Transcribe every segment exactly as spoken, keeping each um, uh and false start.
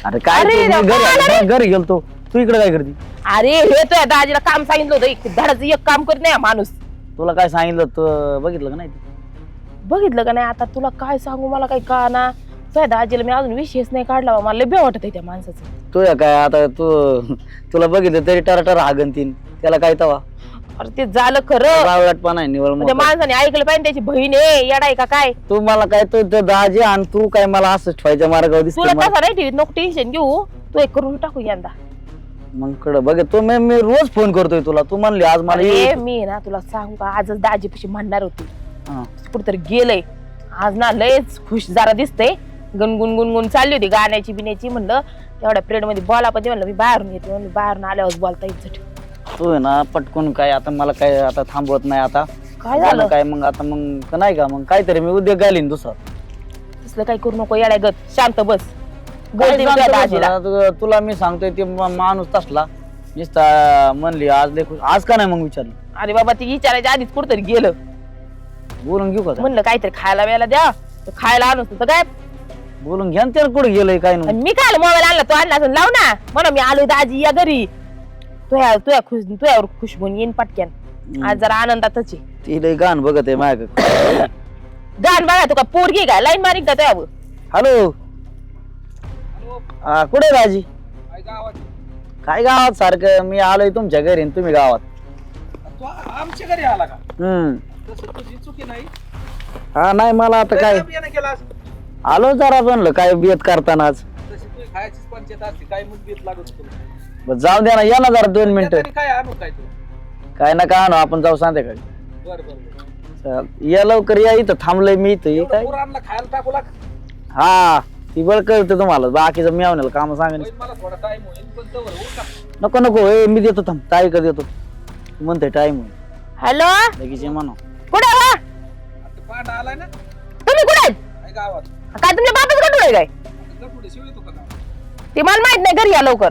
अरे काय अरे तू, मी देवा, घरी अरे. घरी गेलतो तू इकडे काय करते? अरे हे तो दाजीला काम सांगितलं होतं एक धडाचं एक काम करत नाही हा माणूस. तुला काय सांगितलं तू बघितलं का नाही? बघितलं का नाही आता तुला काय सांगू मला काही का ना तुझ्या दाजीला मी अजून विषयच नाही काढला बा. मला लय भ्या वाटत आहे त्या माणसाचं. तुझ्या काय आता तू तुला बघितलं तरी टराटर हागनतीन त्याला काय तवा अरे ते झालं खरं बावळटपणा आहे निवळ त्या माणसाने ऐकलं पाहिजे त्याची बहीण आहे येडाय का काय. तू मला काय तू ते दाजी आणि तू काय मला असं ठेवायच्या मार्गावर तुला दिसतो तसा नाही ठेवीत नको टेन्शन घेऊ तू एक करून टाकू यंदा. मग कडे बघ तू मी मी रोज फोन करतोय तुला तू म्हणली आज मला अरे ये. मी ना तुला सांगू का आजच दाजीपाशी म्हणणार होती हा. कुठेतरी गेलंय आज ना लयच खुश जरा दिसतंय गुणगुण गुणगुण चालली होती गाण्याची बिण्याची. म्हणलं तेवढ्या पिरियड मध्ये बोला पण म्हणलं मी बाहेरून येते म्हणलं बाहेरून आल्यावर बोलता येत. तू आहे ना पटकून काय आता मला काय आता थांबवत नाही आता काय झालं काय मग आता मग नाही का मग काहीतरी मी उद्या घालीन दुसरं तसलं काही करू नको येड्या गत शांत बस. काय गळती सांगतो तुझ्या बस, दाजीला. आता तुला मी सांगतोय ते मा- माणूस तसला नुसता म्हणली आज लय खुश आज का नाही मग विचारलं अरे बाबा ती विचारायच्या आधीच कुठतरी गेलं बोलून घेऊ का आता? म्हणलं काहीतरी खायला वेळेला द्या तर खायला आणून तर काय. बोलून घ्या ना त्याला कुठे गेलंय काय नाही आणि मी काय मोबाईल आणला तो आणला असेल लाव ना म्हणा मी आलोय दाजी या घरी तुया तुया खुश तुयावर खुश होऊन येईन पटक्यान. आज जरा आनंदातच आहे. ती लय गाण बघत आहे माझ्या गाण बघा तुका पोरगी काय लाईन मारिक का तुया हॅलो हा कुठे राजी काय गावात सारखं मी आलोय तुमच्या घरी आणि तुम्ही गावात. तू आमच्या घरी आला का? हम्म तसं तुझी चुकी नाही. हा नाही मला आता काय बियाणं केलास आलो जरा म्हणलं काय बेत करताना आज तशी तुझी खायचीच पंचायत असते. काय मग बेत लागत तुला? बरं, जाऊ द्या ना या ना जरा दोन मिनिटं तरी काय आणू काय तू? काय ना काय आणू आपण जाऊ संध्याकाळी. बर बर बर. चाल, या लवकर या इथं थांबलंय मी इथं हे काय पोरांना खायला टाकू लाग. हा ती बळ कळते तुम्हाला बाकीचं मी आवडेल काम सांगेन होईल मला थोडा टाइम होईल पण तवर होऊ का? नको नको ए मी देतो थांब ताई का देतो तू म्हणते टाइम होईल हॅलो लगेच ये म्हणा कुठे वा आता पाठ आलाय ना तुम्ही कुठे आहेत? काय गावात काय तुमच्या बापाच गटूळ आहे काय आता पुढे शिव येतो का गावात? ते मला माहित नाही घरी या लवकर.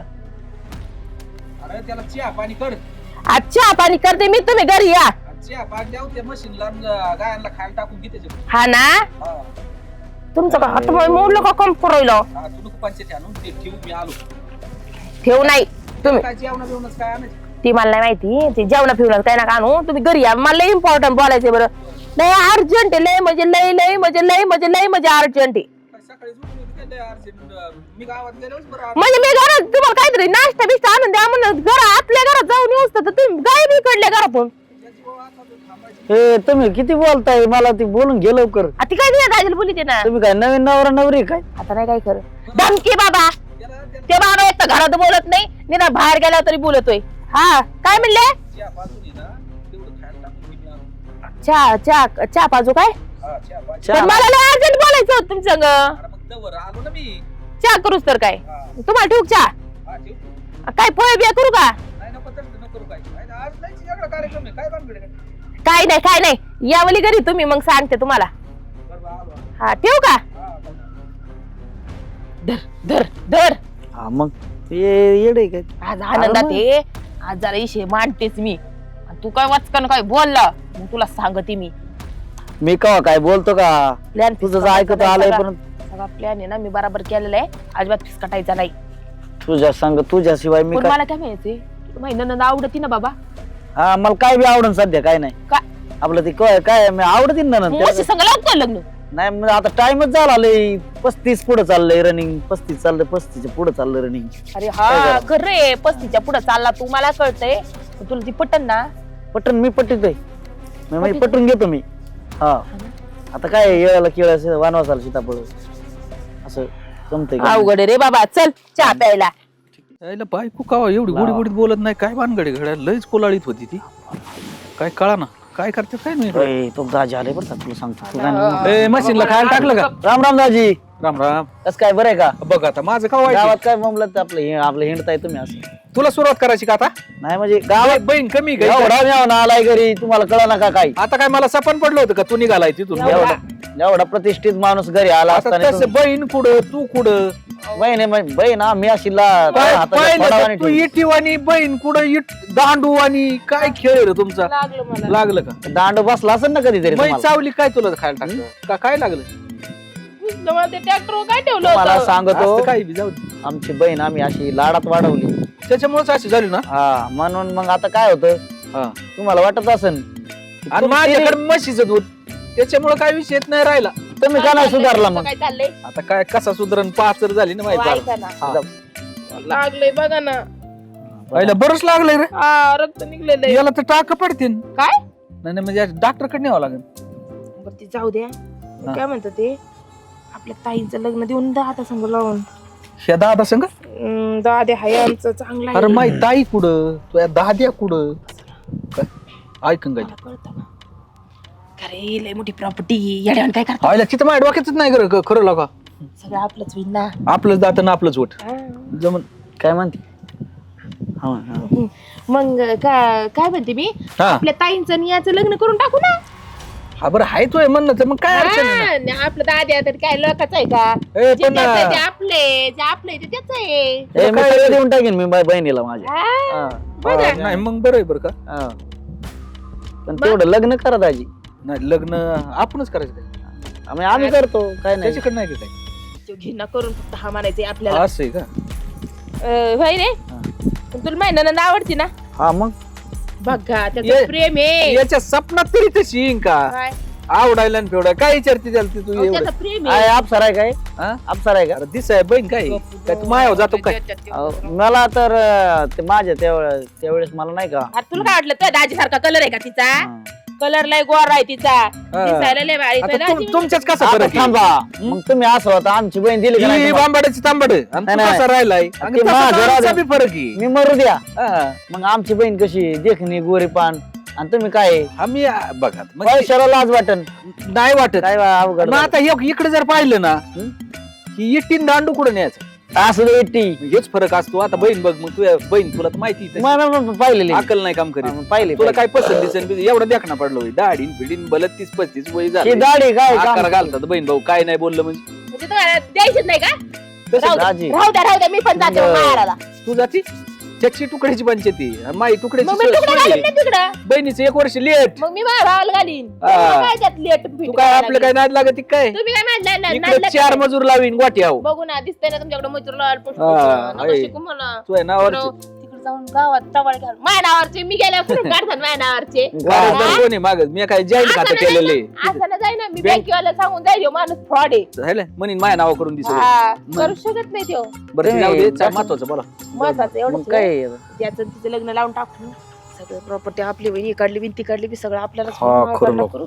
अरे त्याला चहा पाणी कर. अच्छा पाणी करते मी तुम्ही घरी या. आणि चहा पाणी द्याव त्या मशीनला गायांना खायला टाकून घे त्याच्यात. हा ना हा तुमचं का हात मोडलं का कम पुरवलं हा, तू नको पंचायत आणून ते ठेवू मी आलो. ठेव नाही तुम्ही काय जेवणा बिवणच काय आणायचं? ती मला नाही माहिती ते जेवणा फिवणं काय ना आणू तुम्ही घरी या मला लय इम्पॉर्टंट बोलायचंय बरं. लय अर्जंट आहे लय म्हणजे लय लय म्हणजे लय म्हणजे लय म्हणजे अर्जंट आहे. काय सकाळी उठली होती काय लय अर्जंट? मी गावात गेल्यावर बरं आलो. म्हणजे मी घरात तुम्हाला काहीतरी नाश्ता बिस्टा आणून द्या म्हणून घरा आपल्या घरात जाऊन येऊस तर तुम्ही गाय बिकडल्या घरातून. त्याची बाबा आता तू थांबायची. ए तुम्ही किती बोलताय मला ती बोलून घे लवकर. आता ती काय दिल्या दाजीला बोलते ना तुम्ही काय नवीन नवरा नवरी काय आता नाही काय खरं धमकी बाबा त्याला त्याला ते बाबा एक तर घरात बोलत नाही निदान बाहेर गेल्यावर तरी बोलतोय. हा काय म्हणले चहा पाजून ये ना तेवढं खायला टाकून घे मी आलो. चहा चहा चहा पाजू काय हा चहा पाज. चहा. पण मला लय अर्जंट बोलायचं होतं तुमच्या संग. अरे मग तवर आलो ना मी. चहा करूच तर काय हा तुम्हाला ठेवू चहा हा ठेव तू. काय पोहे बिया करू का नाही नको तसं नको करू काय. काय आज नाही वेगळा कार्यक्रम आहे काय भानगड आहे काय? काय नाही काय नाही यावली घरी तुम्ही मग सांगते तुम्हाला. बरं बरं आलो आलो. हा ठेवू का हा बरं. धर धर धर हा मग ये येडे काय आज आनंदात ये आज जरा इशे मांडतेच मी आणि तू काय वाचकन काय बोलला मग तुला सांगते मी मी कवा काय बोलतो का प्लॅन तुझं ऐकत आलंय पण सगळा प्लॅन आहे ना मी बराबर केलेला आहे अजिबात फिसकटायचा नाही. तुझ्या संग तुझ्याशिवाय मी पण काय मला काय माहिती माहिती नंद आवडती ना बाबा हा मला काय बी आवडन सध्या काय नाही काय आपलं ते काय काय मी आवडतीन ना मोशी नंतर संग लागतं लग्न नाही मग आता टाइमच झाला लय पस्तीस पुढे चाललंय रनिंग पस्तीस चाललंय पस्तीसच्या पुढे चाललंय रनिंग अरे हा खरे पस्तीच्या पुढे चालला तू मला कळतंय पण तुला ती पटन ना पटन मी पटतोय मी म्हणजे पटून घेतो मी हा आता काय येळाला केळ वानवासाला सीताफळ असं जमतंय का? अवघड आहे रे बाबा चल चहा प्यायला. यायला बायको कावा एवढी गोडी गोडीत बोलत नाही काय भानगड आहे घड्या लयच कोलाळीत होती ती काय कळा ना काय करते काय नाही. ओय, तो दाजी आले बरं का तुला सांगतो तू काय नाही. ए मशीनला खायला टाकलं का? राम राम दाजी राम राम. कस काय बरं आहे का बघ आता माझं का व्हायचं? गावात काय म्हणलं आपलं हे- आपलं हिंडताय तुम्ही असं तुला सुरुवात करायची का आता? नाही म्हणजे गावात बहीण कमी गई एवढा मेवना आलाय घरी तुम्हाला कळा ना का काय आता काय मला सपन पडलं होतं का तू निघालाय तिथून? एवढा एवढा प्रतिष्ठित माणूस घरी आला आता असताना तसं बहीण कुठं तू कुठं बहीण आहे म्हणजे बहीण हा मी अशी ला- काय हाताच्या पाहिलं फडावाने तर तू ठेवली. इटीवानी बहीण कुठं इट दांडूवानी काय खेळ आहे रे तुमचा? लागलं मला लागलं का? दांड बसला असेल ना कधीतरी मै तुम्हाला. चावली काय तुला खायला टाकलं का काय लागलं? मला ते ट्रॅक्टर काय ठेवलं मला होतं सांगतो असतं काही बी जाऊ दे. आमची बहीण आम्ही अशी लाडात वाढवली त्याच्यामुळेच अशी झाली ना हा म्हणून मग आता काय होतं हा. तुम्हाला वाटत असेल आणि माझ्याकडे म्हशीचं दूध त्याच्यामुळे काय विषय नाही राहिला. तुम्ही का नाही सुधारला मग काय चाललंय आता काय कसा सुधरण पाचर झाली ना अहो, माहिती ऐका ना हा. लागलंय बघा ना पहिला बरंच लागलंय रे हा रक्त निघलेलं याला तर टाक पडते काय नाही नाही, म्हणजे डॉक्टर कडे न्यावं लागेल. बरं ती जाऊ द्या काय म्हणतो ते आपल्या ताईंचं लग्न देऊन दादा संग लावून ह्या दादा संग हम्म, दादा हाय आमचं चांगला अरे माही ताई कुठं तुझ्या दाद्या कुठं काय? ऐकून काय कळतं ना अरे लय मोठी प्रॉपर्टी येड्यावर काय करता आयला तिथं माझ्या डोक्यातच नाही खरं खरं लागा सगळं आपलंच होईल ना आपलंच दात ना आपलंच वट हा. जमन काय म्हणते हा, हा. मग का- काय म्हणते मी हा आपल्या ताईंचं आणि याचं लग्न करून टाकू ना हा बरं हाय तोय म्हणणं तर मग काय अडचण आहे ना? हा, आणि आपलं दाद्या तर काय लोकांचं आहे का ए, जे पण त्याचं आहे ते आपले जे आपलं आहे ते त्याच आहे ए, मी सगळं देऊन टाकेन मी माझ्या बहिणीला माझ्या हा, हा, बघा. हा, नाही मग बरं आहे बरं का हा. पण तेवढं लग्न करा दाजी नाही लग्न आपणच करायचं काय आम्ही आम्ही करतो काय नाही त्याच्याकडे नाही का काय तो घिन्ना करून फक्त हा म्हणायचंय आपल्याला असं आहे का अं, होय रे हा. पण तुला माहिती नंद आवडती ना हा मग बघा ये- त्याचं प्रेम आहे याच्या सपनात तरी तशी येईन का काय? आवडायला आणि फेवडा काय विचारते त्याला ती तू अहो, एवढं त्याचं प्रेम काय आहे अप्सर आहे काय हा? अप्सर आहे का अरे दिसाय बहीण काय काय तू मायावर जातो काय अहो, मला तर अं, ते माझ्या त्यावेळे त्यावेळेस मला नाही का आता तुला काय वाटलं तुझ्या दाजी सारखा कलर आहे का तिचा हा. कलर लय गोरा आहे तिचा दिसायला लय भारी आता तुझ्या तुम- दाजी- तुमच्याच कसा आता फरक आहे? थांबा मग तुम्ही असं होता आमची बहीण दिली का नाही ही तुम्हाला? बांबाड्याची तांबड आणि तू नाही, नाही. कसा राहिलाय आणि ते तसा माझं तर आमचा राहू बी फरक आहे मी मरू द्या हा. मग आमची बहीण कशी देखणी गोरीपान आणि तुम्ही काय आम्ही आ, बघा म्हणजे पैशाला लाज वाटन नाही वाटत काय बा अवघड मग आता हे- इकडे जर पाहिलं ना हं? की इट्टीन दांडू कुठं न्यायचं असं एकटी हेच फरक असतो. आता बहीण बघ मग तुझ्या बहीण तुला तर माहिती आहे तशी. पाहिलेली अकल नाही काम करीत पाहिले तुला काय पसंत दिसेल बिसेल, एवढं देखना पडलं होय दाढीन फिडीन बलत तीस पस्तीस वय ही झालं दाढी काय काम? आकार घालतात बहीण भाऊ काय नाही बोललं म्हणजे म्हणजे तुम्हाला द्यायचीच नाही का तसं राहू दाजी. द्या राहू द्या राहू द्या मी पण जाते बरं. माहेराला तू जाती चक्शी तुकड्याची पंचायती आणि माई तुकड्याची मग मी सोय- तुकडा सोय घालीन आहे. ना तिकडं बहिणीचं एक वर्ष लेट मग मी माझ्या भावाला घालीन हा. तुम्हाला काय त्यात लेट तू काय आपलं काय नाद लागत काय तुम्ही काय नाद- नाद- नाद इकडे चार लागत? मजूर लावीन गोटी आहो बघू ना दिसतंय ना तुमच्याकडे मजूर लावायला पुष्प हा, पुष्प. नका आहे. शिकू मला तू आहे नावावर तिकडं- तिकडे जाऊन गावात टवाळ घाल माझ्या नावावरचे मी गेल्या कुठून काढतात माझ्या नावावरचे हा. कोणी माग मी काय जॉईंट असं खातं नाही केलेले ना, असं नाही जाई ना मी बँक- बँकेवाला सांगून जाईल ह्यो माणूस फ्रॉड आहे म्हणून माझ्या नावा करून दिसत हा, करू शकत नाही तो बरं ते तुम्ही- जाऊ दे चा- महत्वाचं बोला महत्वाचं मग एवढं काय आहे? त्याचं तिचं लग्न लावून टाकू सगळं प्रॉपर्टी आपली बहिणी काढली बिन ती काढली बी सगळं आपल्याला हा, खरं लोक.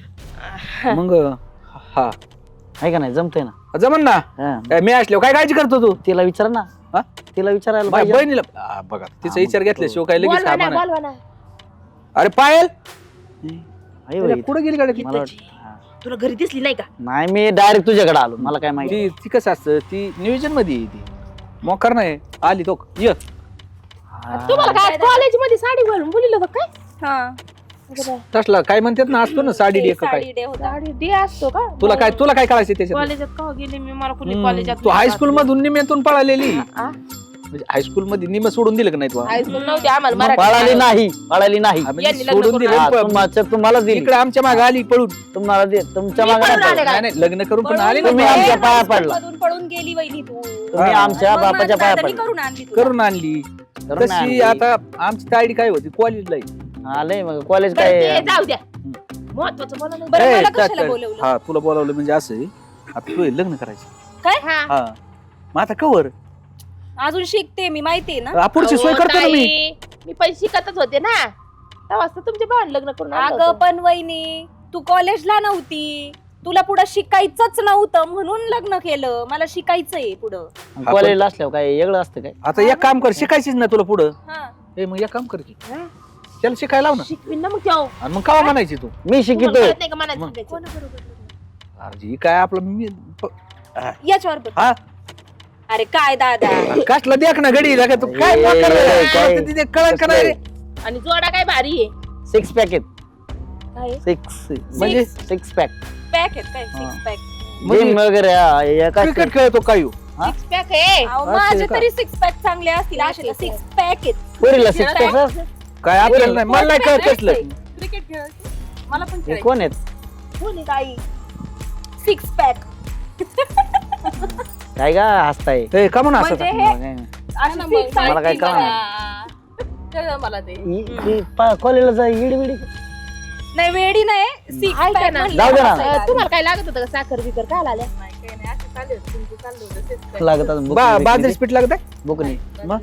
मग हा आहे का नाही जमतंय ना जमन ना हा. काय मी असल्यावर काय काळजी करतो तू तिला विचार ना हा? तिला विचारायला माझ्या पाहिजे. बहिणीला आ, बघा तिचा हा, विचार मग घेतल्याशिवाय काय लगेच बोलवा हा ना म्हणा. बोलवा ना अरे पायल आहे बाई. कुठे गेली गाडी मला वाटतं- हा. तुला घरी दिसली नाही का नाही मी डायरेक्ट तुझ्याकडे आलो मला काय माहिती ती ती कसं असतं ती नियोजन मध्ये आहे ती मोकार नाही आली तो ये हा. तुम्हाला काय कॉलेज मध्ये साडी घालून बोलिलं होतं काय हा तसला काय म्हणतात ना असतो ना साडी डे का काय साडी डे होता साडी डे असतो का तुला काय तुला काय कळायचं त्याच्यात कॉलेजात का गेले मी मला कुठे हम्म, कॉलेजात तू हायस्कूल मधून निम्यातून पळालेली आ? म्हणजे हायस्कूल मध्ये निम सोडून दिलं का नाही तू हायस्कूल नव्हती आम्हाला पळाली मराठी नाही पळाली नाही हा, म्हणजे यांनी लग्न सोडून करून हा, दिलं तुमच्या तुम्हाला दिली इकडे आमच्या मागे आली पळून तुम्हाला दे तुमच्या मी मागे पळून नाही आले पळत. का? नाही नाही लग्न करून पण आली तुम्ही ना आमच्या पाया पडला. मधून पळून गेली वहिनी तू तुम्ही हा. आमच्या मग बापाच्या माझ्या पाया दादानी पडला करून आणली तुला. करून आणली करून तशी आणली. आता आमची तायडी काय होती कॉलेजला आलंय मग कॉलेज बरं, काय ते जाऊ द्या महत्वाचं बोला ना बरं ए, मला त्या- कशाला त्या- बोलवलं हा तुला बोलावलं म्हणजे असं आहे, आता तू हे लग्न करायचं काय हा. हा मग आता कवर अजून शिकते मी माहितीये ना पुढची सोय अहो, करतो ना मी ताई, मी पण शिकतच होते ना तेव्हा असतं तुमच्या भावाने लग्न करून आणलं अगं होतं. पण वहिनी तू कॉलेजला नव्हती तुला पुढं शिकायचंच नव्हतं म्हणून लग्न केलं मला शिकायचंय पुढं कॉलेजला असल्यावर काय वेगळं असतं काय आता एक काम कर शिकायचीच ना तुला पुढं हा ए मग एक काम कर की हा? त्याला शिकायला लाव ना शिकवीन ना मग तेव्हा. आणि मग कावा म्हणायची तू मी तुम्हाला शिकितोय कळत नाही का मनात मग. शिकायचं? कोणाबरोबर लग्न? अरे ही काय आपलं मी प- याच्यावर बोल. हा अरे काय दादा कसला देख ना घडी लागा तू काय ए, मोकार रे? ए, काय? तुला तिथे कळण का नाही रे? आणि जोडा काय भारी आहे सिक्स पॅकेट काय आहे? सिक्स म्हणजे सिक्स पॅक पॅक आहेत काय हा. सिक्स पॅक म्हणजे जिम वगैरे हा, हे काय क्रिकेट खेळतो काय हो? हा? Six pack आहे असं माझे का? तरी सिक्स पॅक चांगले असतील Pack असे आहे, सिक्स पॅक आहेत पुरीला सिक्स पॅक काय आपल्याला नाही मला नाही कळत कसलं क्रिकेट खेळायचं मला पण हे खेळायचं कोण आहेत कोण आहे? काही सिक्स पॅक काय का हसताय ए, का म्हणून असं म्हणजे का? हे मला अशी काय- मला काय सांगते कळणार. मला ते कॉलेजला जाय इडी बिडी नाही वेडी नाही six ऐका pack ना. म्हणलं जाऊ दे ना. असं आहे. तुम्हाला काय लागत होतं का साखर बिकर काय आल्या लागत अजून बा- बुकनी बाजरीच पीठ लागत बुकनी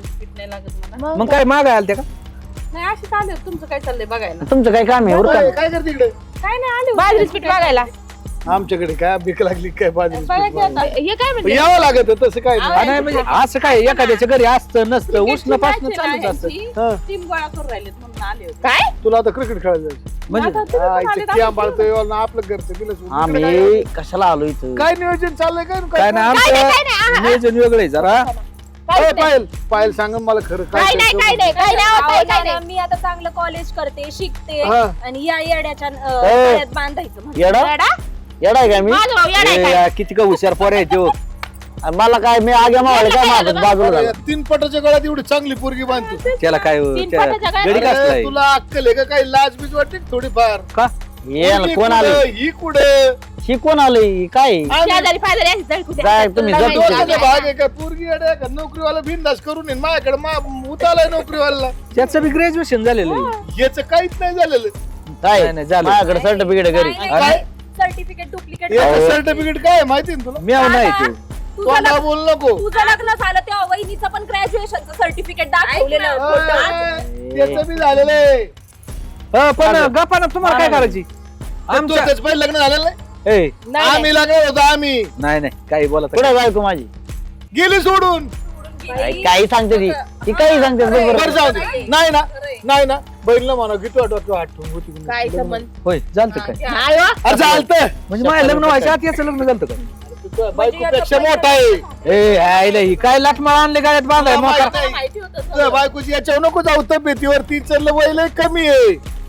मग काय माग आल ते का नाही अशी चालू तुमचं काय चाललंय बघायला तुमचं काय काम आहे उरका. काय करते इकडे काय नाही आले बाजरीच पीठ बघायला आमच्याकडे काय भीक लागली काय बाजरी हे काय म्हणजे यावं लागत तसं काय नाही. आ, नाही म्हणजे असं काय एखाद्याच्या घरी असतं नसतं उष्ण पासन चालूच असतं हा. टीम गोळा करून राहिलेत म्हणून आले होते काय तुला आता क्रिकेट खेळायला जायचं म्हणजे हा, इथे कियाम बाळतोय, वाला आपलं घरचं दिलं सोडून. इकडे आम्ही कशाला आलो इथं काय काय नियोजन चाललंय काय काय नाही आमचं नियोजन वेगळं आहे जरा काय पायल पायल सांग मला खरं काय नाही काय नाही काय नाही अहो, होत, काय नाना, नाही मी आता चांगलं कॉलेज करते शिकते हा. आणि या येड्याच्या अं, ए. गळ्यात बांधायचं म्हणजे. येडा येडा? येडा आहे का मी माझा भाऊ येडा आहे ए, काय? या, किती का हुशार पोर आहे तो आणि मला काय मी आग्या मावळे काय माझं बाजूला अरे, झालं या तीन पटाच्या गळ्यात एवढी चांगली पोरगी बांधतो त्याला काय तीन त्या- पाट्याच्या काय? गडी अरे, कसलाय तुला अक्कल आहे का काही लाज बीज वाटते का थोडीफार का ये ना, पोरगी कोण कुठं, आले ही कुठे ही कोण आलंय काय शेजारी पाजारी अशी जळकुटे काय असतात, तुम्ही तुला जळकुटे माहिती डोक्याचा आहे. भाग आहे का पोरगी अडे का नोकरीवाला बिंदास करून येईन माझ्याकडे मा उतालाय नोकरीवाला त्याचं बी ग्रॅज्युएशन झालेलं आहे. याचं काहीच नाही झालेलं काय नाही, नाही, झालं. माझ्याकडे सर्टिफिकेट घरी सर्टिफिकेट डुप्लिकेट याचं सर्टिफिकेट काय आहे माहिती ना तुला म्याव नाही ते तुझं मला लग्न बोल नको तुझं लग्न झालं तेव्हा वहिनीचं पण ग्रॅज्युएशनचं सर्टिफिकेट दाखवलेलं अय, खोटं. त्याचं बी झालेलं आहे अ, पण गप्पा ना तुम्हाला काय करायची आमचं आमच्या त्याचं पहिले लग्न झालेलं नाही ए नाही, आम्ही लागलो होतो आम्ही नाही नाही काही बोला कुठे बायको माझी गेली सोडून काय- काही सांगते ती ती काही सांगते बरं बरोबर. जाऊ दे नाही ना नाही ना बहिणीला म्हणा किती वाटत आठवण होती म्हणून. काय संबंध होय चालतं काय नाही हो. अरे चालतंय म्हणजे माझं लग्न व्हायच्या आत याचं लग्न झालं का तुझ्या बायकोपेक्षा मोठा आहे ए आईला ही काय लाटमाळ आणले गाड्यात बांधाय तुला मोकार माहित नाही. माहिती होतं सगळं. तुझ्या बायकोची याच्यावर नको जाऊ तब्येतीवर तिचं वय लय कमी आहे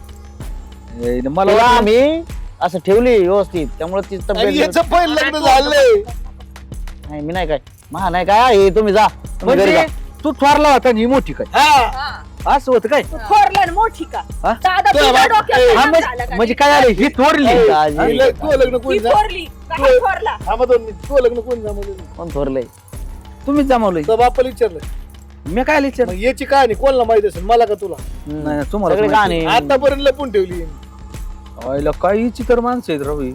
ए, मला तिला वाटलं- आम्ही असं ठेवली व्यवस्थित त्यामुळे ती आणि तब्येत याचं पहिलं लग्न झालंय नाही मी नाही काय महा नाही काय हे तुम्ही जा तुम्ही घरी म्हणजे जा. तू थोरला होता आणि ही मोठी काय हा असं होतं काय तू थोरलं आणि मोठी का हा? दादा तुझ्या तुझ्या बाप- डोक्यात ए, परिणाम हा, झाला म्हणजे का? म्हणजे काय आलं ही थोरली ए, हा? आजी. हिला- तुझं लग्न ती कोणी जा थोरली का हा थोरला थांबा दोन मिनिट तुझं लग्न कोणी जमवलं कोण थोरलंय तुम्हीच जमावलंय तर बापाला विचारलं मी काय विचार मग याची कहाणी कोणाला माहित असेल मला का तुला नाही नाही, तुम्हाला सगळे माहिती. कहाणी आतापर्यंत लपून ठेवली आईला काही चितर माणसं आहेत रवी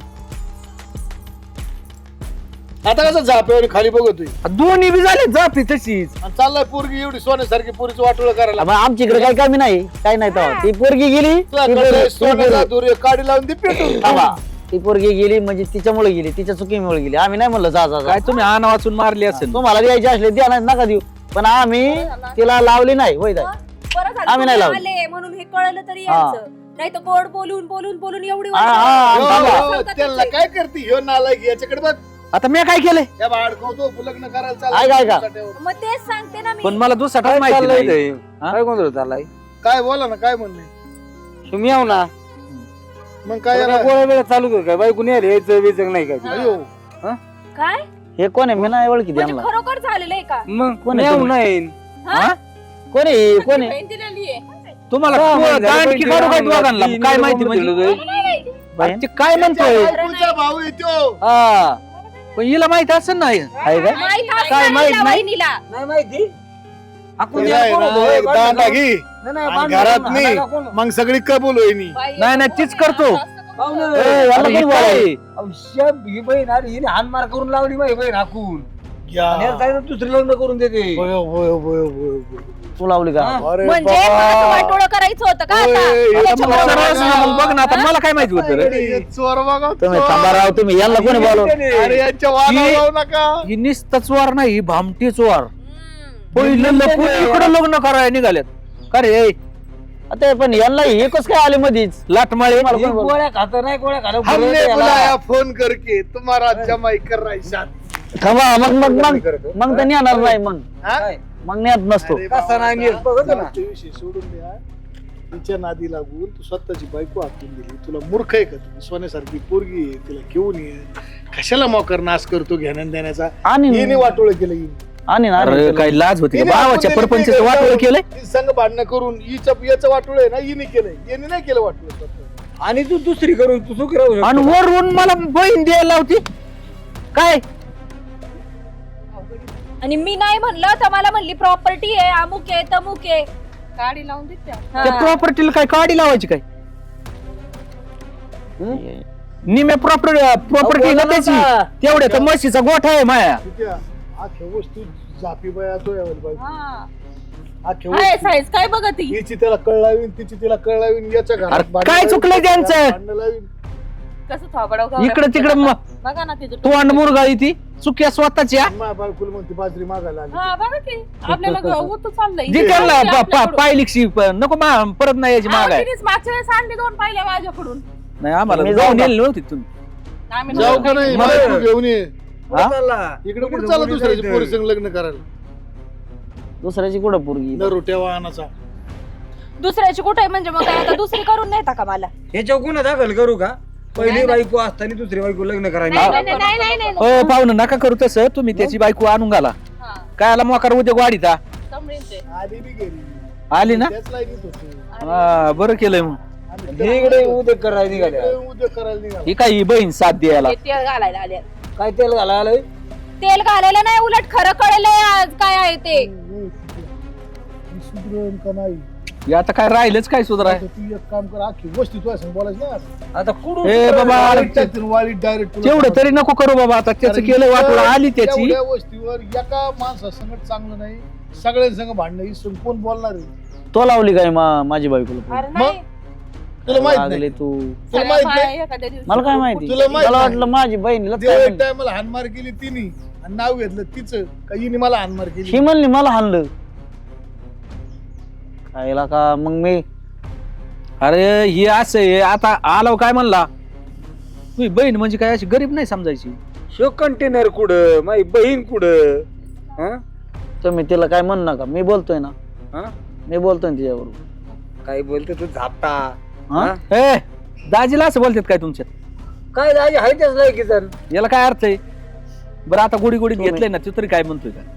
आता कसं झाप्यावर खाली बघतोय दोन्ही बी झाले जापी तशीच आणि चाललाय पोरगी एवढी सोन्यासारखी पोरीचं वाटोळं करायला मग आमच्या इकडे काही कमी नाही काही नाही तेव्हा ती पोरगी गेली ती तुझ्याकडे पोरगी- ती सोन्याचा पोरगी- दोरी काडी लावून ती पेटून थांबा. ती पोरगी गेली म्हणजे तिच्यामुळे गेली तिच्या चुकीमुळे गेली आम्ही नाही म्हणलं जा जा जा. काय तुम्ही आण वाचून मारली असेल तुम्हाला द्यायची असले द्या नाही नका देऊ पण आम्ही तिला लावली नाही होय ताई? बरं झालं आम्ही नाही तुम्ही लावली. आले म्हणून हे कळलं तरी हा. यांचं नाही तर गोड बोलून बोलून बोलून एवढी हा, हा, वर्ष- हा, थांबा. हो, हो, त्यांना काय करते ह्यो नालायक याच्याकडे बघ आता मी काय केलंय या अडकवतो लग्न करायला ऐक, ऐका. चाललाय. मग तेच सांगते ना मी पण मला दुसरा माहिती नाही हा? काय गोंधळ चाललाय काय बोला ना काय म्हणणे तुम्ही याव ना मग काय याला- गोळ्या वेळा चालू कर काय बायको नाही आली यायचं बियचं नाही काय अयो, काय हे कोण आहे मी नाही ओळखी म्हणजे त्यांना खरोखर झालेलं आहे का मग कोण आहे याव तुम्ही? नाही हा? कोण आहे कोण आहे बहीण दिलेली आहे. तुम्हाला हा, तू- म्हणजे दांड झालं की पण काढू काय ते दोघांना? तीन काय मुलं माहिती मुलं म्हणजे दिलं बाई? ते काय म्हणतोय त्याच्या बायकोचा भाऊ येतो हा पण हिला माहित असेल ना हे? आहे काय माहित काय असणार माहित हिला नाही? वहिनीला. नाही माहिती आपण तुला आहे ना, एक दांडा घे नाही, नाही, आणि बांधून घरात कोण नाही हाणायला कोण? मग सगळी कबूल होईनी नाही नाही तीच करतो पाहुणे ए, वे. याला अरे, कोणी हे बोलावलं? काय? अहो, शेप ही बहीण अरे हिने हानमार करून लावली माझी बहीण हाकून आणि याला काय तर दुसरी लग्न करून देते होय, होय, होय, होय, होय. तू लावली का अरे म्हणजे बाबा. मला असं वाटोळं करायचं होतं का होय, आता हे आता चोर मला सरळ बघा. सांगा, मग बघ ना आता मला काय माहिती होतं रे? हे चोर बघा, तुम्ही चोर. थांबा राव तुम्ही यांना कोणी बोलवलं अरे यांच्या वादावर ही- जाऊ नका ही निस्तच वार नाही ही भामटीच वार हम्म. पहिलं लपून इकडं लग्न करायला निघाल्यात का रे आता पण यांना हे कस काय आले मधीच लाटमाळे मला ही कोणी बोलवलं? गोळ्या खात नाही गोळ्या खात हमने बुलाया फोन करके तुम्हारा जमाई कर रहा है शादी. थांबा मग मग मग मग तर येणार नाही मग हा? मग नेत नसतो अरे कसा नाही बाबा, नेत बघत ना. जाऊ ते विषय सोडून द्या तिच्या नादी लागून तू स्वतःची बायको आखून दिली तुला मूर्ख आहे का तू सोन्यासारखी पोरगी आहे तिला घेऊन ये कशाला मोकर नाश करतो घेण्यान देण्याचा आणि हिने वाटोळ केलं हिने. आणि ना अरे काही लाज होती का हिने भावाच्या आपण परपंच दिली वाटोळ केलंय ती संघ भांडणं करून हिचं याचं वाटोळ आहे ना हिने केलंय याने नाही केलं वाटोळ स्वतः. आणि तू दुसरी करून तू सुखी राहू आणि शकतो वरून मला बहीण द्यायला होती काय आणि मी नाही म्हणलं तर मला म्हणली प्रॉपर्टी आहे, अमुक आहे तमुक आहे. गाडी लावून देते त्या प्रॉपर्टीला काय काडी लावायची काय निम्या प्रॉपर्टी प्रॉपर्टी ना त्याची तेवढ्या तर म्हशीचा गोठा आहे माया. किती आख्या वस्तू झापी बाया तो यावं बायको. हा. आख्या हाय वस्तू साईज काय बघत ती? हिची त्याला कळ लावीन, तिची तिला कळ लावीन, याच्या घरात अरे भांडणं काय लावीन, चुकलंय त्याच्या त्यांचं? घरात भांडणं लावीन. कसं थोबडं इकडं तिकडं म- बघा ना तिथं तोंड मुरगाळी ती चुक्या स्वतःच्या माझ्या बायकोला म्हणते बाजरी मागायला आली. हा बघा की आपल्याला होत चाललंय जी त्यांना प- प- पायलिकशी प- नको मा- परत नाही यायची माग आहे. तिनेच मागच्या वेळेस आणली दोन पाहिल्या माझ्याकडून. नाही आम्हाला मी जाऊन जाऊ का? येईल नव्हती तुम्ही आम्ही जाऊ का नाही मला- बायको घेऊन ये. हा? इकडे कुठे चालला दुसऱ्याची पोरी संग लग्न करायला दुसऱ्याची कुठं पोरगी न रोट्या वाहनाचा. दुसऱ्याची कुठे म्हणजे मग काय आता दुसरी करून नेता का मला? ह्याच्यावर गुन्हा दाखल करू का? पहिली बायको असताना दुसरी बायको लग्न करायला नाही, नाही, नाही, नाही, नाही, हो पाहुणं नका करू तसं तुम्ही त्याची बायको आणून घाला हा, काय आला मोकार उद्या वाढीता समरींचे. आली बी गेली आली ना त्याच लाईनीत होती. हा, बरं केलंय मग आणि हे इकडे उद्या करायला निघाल्या इकडे उद्या करायला निघाला. ही काय ही बहीण साथ द्यायला ते तेल घालायला आले. काय तेल घालायला आलंय? तेल घालायला नाही, उलट खरं कळलंय आज काय आहे ते. मी सुधरेन का नाही हे आता काय राहिलंच काय सुधाराय आता तू एक काम कर, आखी वस्ती तुझ्या संग बोलायचं ना. आता कुठून ए बाबा वाळीत टाकतील, वाळीत डायरेक्ट तेवढं तरी नको करू बाबा आता त्याचं केलं वाटलं आली त्याची एवढ्या वस्तीवर एका माणसासंगत चांगलं नाही, सगळ्यांसंग भांडणं ही कोण बोलणार आहे? तो लावली काय मा- माझी बायकोला अरे नाही. तुला माहित लागले नाही, तू तुला माहित नाही. एखाद्या दिवशी. मला काय माहिती तुला माहित मला नाही. वाटलं माझी बहिणीला देव काय एक म्हणली. टायमाला हानमार केली तिने आणि नाव घेतलं तिचं का हिने मला हानमार ही केली. म्हणली मला हाणलं खायला का मग मी अरे हे असं आहे आता आलो काय म्हणला तुझी बहीण म्हणजे काय अशी गरीब नाही समजायची शो कंटेनर कुठं माझी बहीण कुठं हा? तुम्ही तिला काय म्हण नका, मी बोलतोय ना, हा? मी बोलतोय ना तिच्याबरोबर. काय बोलते तू झापटा हा? हा? ए दाजीला असं बोलतात काय तुमच्यात काय दाजी आहे त्याच लायकी जर याला काय अर्थ आहे बरं आता गोडी गोडीत तुम्ही- घेतलंय ना तू तरी काय म्हणतोय का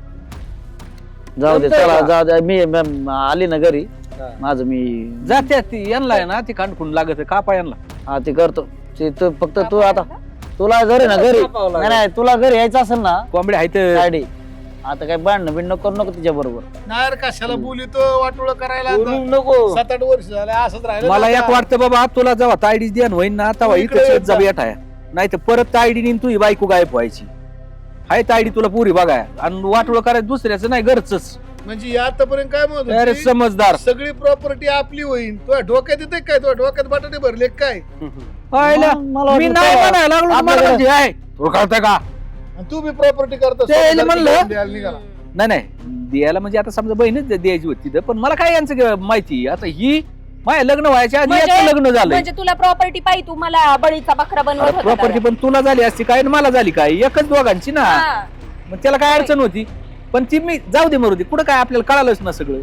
जाऊ दे जमतंय चला का? जाऊ दे मी मी- आली ना घरी हा. माझं मी जात्या ती यांना आहे ना ती कांडकून लागत आहे कापा यांना हा ते करतो ते तू फक्त तू आता तुला घरी ना घरी कापावं लागेल. नाही नाही तुला घरी यायचं असेल ना कोंबड्या आहेत गाडी आता काय भांडणं बिंडणं करू नको तिच्या बरोबर. नार कशाला बोलितो वाटोळ करायला बोलू आता? नको सात आठ वर्ष झाले असंच राहिलं मला ना एक आता. वाटतं बाबा तुला जेव्हा तायडीच द्यान होईन ना तेव्हा तू इकडे इकडे येत जा जा. बेठाया नाही तर परत तायडीने तू बायको गायब व्हायची हाय तायडी तुला पुरी बघाय आणि वाटोळ करायचं दुसऱ्याचं नाही घरच म्हणजे आतापर्यंत काय म्हणत अरे होती? समजदार सगळी प्रॉपर्टी आपली होईल तुझ्या डोक्यात येते काय तुझ्या डोक्यात बटाटे भरले काय पाहिलं? मग मला मी वाटलं नाही तेव्हा म्हणायला लागलो तुम्हाला आपल्याकडे- म्हणजे आहे तुला कळतंय का आणि तू बी प्रॉपर्टी करतो ते यायला म्हणलं. द्यायला निघाला. नाही नाही द्यायला म्हणजे आता समजा बहीणच द्यायची होती तिथं पण मला काय यांचं ग- माहिती आता ही माझ्या लग्न व्हायच्या आधी म्हणजे- याचं लग्न झालंय म्हणजे तुला प्रॉपर्टी पाहिजे, तू मला बळीचा बकरा बनवत होता प्रॉपर्टी दादा. पण तुला झाली असती काय आणि मला झाली काय एकच दोघांची ना हा. मग त्याला काय अडचण होती पण ती मी जाऊ दे मरू दे कुठं काय आपल्याला कळालंच ना सगळं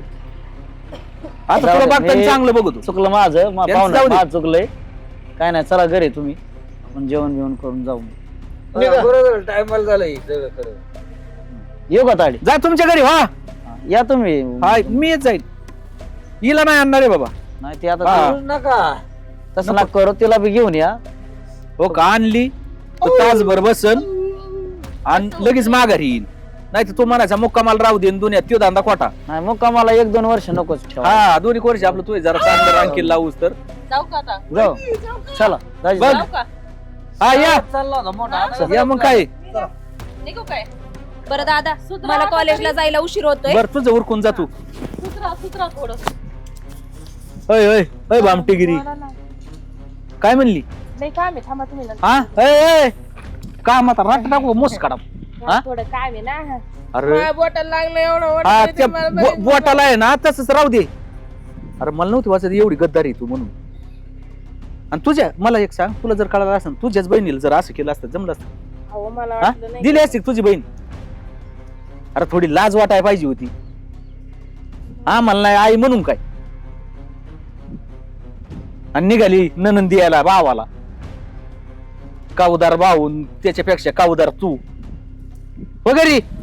आता जाऊ तुला दे, बघताना मी- चांगलं बघतो चुकलं माझं मा- त्यांचं पाहुणं जाऊ दे. माझं चुकलंय काय नाही चला घरी तुम्ही आपण जेवण बिवण करून जाऊ निघा. बरोबर टायमाला झालंय सगळं खरं येऊ का ताडी जा तुमच्या घरी हा या तुम्ही हा मी येत जाईल हिला नाही आणणार आहे बाबा नाही ते आता हा. बोलू नका तसं ना करू तिला बी घेऊन या. हो का आणली तर तासभर बसन आणि लगेच माघारी येईन नाही तर तू म्हणायचा मुक्कामाला राहू दे दुनियात त्यो धंदा खोटा नाही मग का मला एक दोन वर्ष नकोच ठेवा. हा दोन्ही वर्ष आपलं तू जरा चांगलं रांकील लावूस तर जाऊ का आता? जाऊ चला दाजी, बघ. जाऊ का? हा या चालला होता मोठा या मग काय निघू काय? बरं दादा मला कॉलेजला जायला उशीर होतोय. बर तुझं उरकून जा तू सुधरा सुधरा थोडं. होय होय होय भामटेगिरी काय म्हणली नाही काम आहे, थांबा तुम्ही नंतर. हा ए, ए, काम आता राट टाकू मोस काढा हा? थोडं काम आहे ना. अरे माझ्या बोटाला लागलं एवढं हा वाटतं त्या ते मला बो- बघितलं. बोटाला आहे ना तसंच राहू दे अरे मला नव्हती वाचत एवढी गद्दारी तू म्हणून आणि तुझ्या मला एक सांग तुला जर कळालं असं तुझ्याच बहिणीला जर असं केलं असतं जमलं असतं अहो, मला हा? वाटलं नाही. दिली असती का तुझी बहीण अरे थोडी लाज वाटाय पाहिजे होती हा मला नाही आई म्हणून काय आणि निघाली ननंद द्यायला भावाला काऊदार भाऊन त्याच्यापेक्षा काऊदार तू वगैरे